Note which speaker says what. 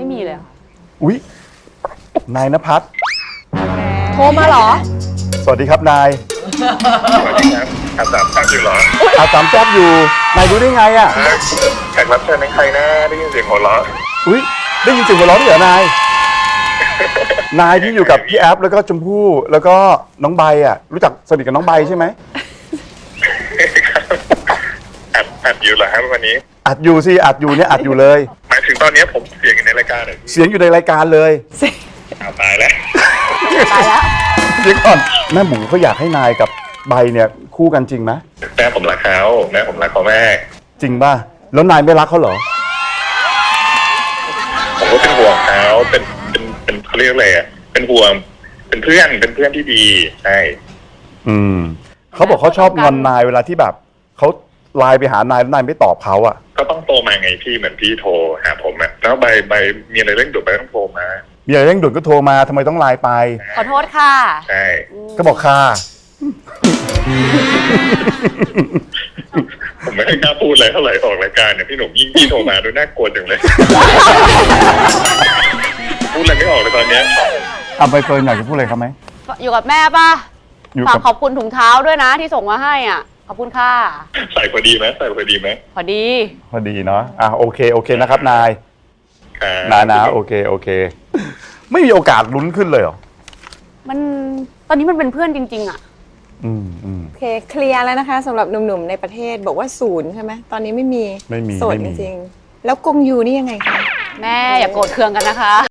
Speaker 1: ไม่มีเลย
Speaker 2: อุ๊ยนายณภัทร
Speaker 1: โทรมาเหรอ
Speaker 2: สวัสดีครับนาย
Speaker 3: สวัสดีครับอาสามแป๊บอยู่เหรอ
Speaker 2: อาสามแจ๊บอยู่นายรู้ได้ไงอ่ะ
Speaker 3: แขกรับเชิญเป็นใครนะได้ยินเสียงหัวเราะ
Speaker 2: อุ๊ยได้ยินเสียงหัวเราะด้วยเหรอนายนายที่อยู่กับพี่แอฟแล้วก็ชมพู่แล้วก็น้องใบอ่ะรู้จักสนิทกับน้องใบใช่ไหม
Speaker 3: อัดอยู่เหรอครับวันนี้
Speaker 2: อัดอยู่สิอัดอยู่เนี่ยอัดอยู่เลย
Speaker 3: หมายถึงตอนนี้ผมเสียงอยู่ในรายการเหรอพี่
Speaker 2: เสียงอยู่ในรายการเลย
Speaker 3: ตายแล้ว
Speaker 1: ตายแล้ว
Speaker 2: เดี๋ยวก่อนแม่หมูเขาอยากให้นายกับใบเนี่ยคู่กันจริงไหม
Speaker 3: แม่ผมรักเขาแม่ผมรักเขาแม่
Speaker 2: จริงป่ะแล้วนายไม่รักเขาเหรอ
Speaker 3: ผมก็เป็นห่วงเขาเป็นเขาเรียกอะไรอ่ะเป็นห่วงเป็นเพื่อนที่ดีใช่
Speaker 2: เขาบอกเขาชอบงอนนายเวลาที่แบบเขาไลน์ไปหานายแล้วนายไม่ตอบเขาอ่ะ
Speaker 3: ก็ต้องโทรมาไงพี่เหมือนพี่โทรหาผมอะแล้วใบมีอะไรเร่งด่วนไปต้องโทรมา
Speaker 2: มีอะไรเร่งด่วนก็โทรมาทำไมต้องไลน์ไป
Speaker 1: ขอโทษค่ะ
Speaker 3: ใช่
Speaker 2: ก็บอกค่ะ
Speaker 3: ผมไม่กล้าพูดอะไรเท่าไหร่ออกรายการเนี่ยพี่หนุ่มยิ่งพี่โทรมาดูน่ากลัวจังเลย พูดอะไรไม่ออกเลยตอนเนี้ย
Speaker 2: เอาไปเฟิร์นอยากจะพูดอะไรเขาไหม
Speaker 1: อยู่กับแม่ป่ะ
Speaker 2: อยู่
Speaker 1: ฝาก
Speaker 2: กับ
Speaker 1: ขอบคุณถุงเท้าด้วยนะที่ส่งมาให้อ่ะ ขอบคุณค่ะ
Speaker 3: ใส่พอดีไหมใส่พอดีไหม
Speaker 1: พอดี
Speaker 2: พอดีเนาะโอเคนะครับนาย นะโอเคไม่มีโอกาสลุ้นขึ้นเลยเหรอ
Speaker 1: มันตอนนี้มันเป็นเพื่อนจริง ๆ อ่ะ
Speaker 2: อืม
Speaker 4: โอเคเคลียร์แล้วนะคะสำหรับหนุ่มๆในประเทศบอกว่า0ใช่ไหมตอนนี้ไม่มี
Speaker 2: ไม่มี
Speaker 4: โสด
Speaker 2: ไม่
Speaker 4: จ
Speaker 2: มี
Speaker 4: ริงๆแล้วกงยูนี่ยังไงคะ
Speaker 1: แม่อย่าโกรธเคืองกันนะคะ